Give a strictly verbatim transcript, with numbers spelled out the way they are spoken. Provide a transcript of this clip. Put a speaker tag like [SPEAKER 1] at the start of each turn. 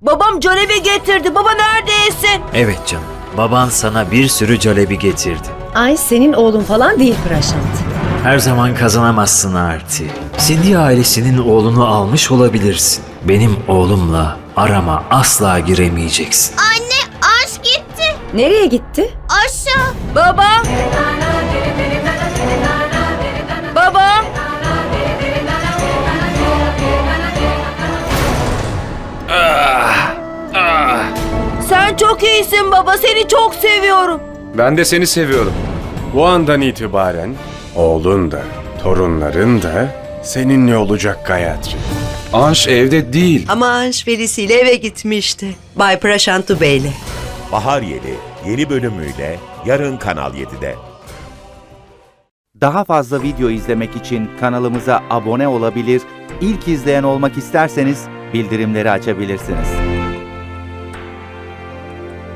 [SPEAKER 1] Babam calebi getirdi. Baba neredesin?
[SPEAKER 2] Evet canım. Baban sana bir sürü calebi getirdi.
[SPEAKER 3] Ay senin oğlun falan değil Prashant.
[SPEAKER 2] Her zaman kazanamazsın Arti. Cindy ailesinin oğlunu almış olabilirsin. Benim oğlumla arama asla giremeyeceksin.
[SPEAKER 4] Anne, Anş gitti.
[SPEAKER 3] Nereye gitti?
[SPEAKER 4] Aşağı.
[SPEAKER 1] Baba. Baba. Sen çok iyisin baba. Seni çok seviyorum.
[SPEAKER 5] Ben de seni seviyorum. Bu andan itibaren oğlun da, torunların da seninle olacak Gayatri. Anş evde değil.
[SPEAKER 6] Ama Anş velisiyle eve gitmişti. Bay Prashantu Bey'le.
[SPEAKER 7] Bahar Yeli yeni bölümüyle yarın Kanal yedide.
[SPEAKER 8] Daha fazla video izlemek için kanalımıza abone olabilir, ilk izleyen olmak isterseniz bildirimleri açabilirsiniz.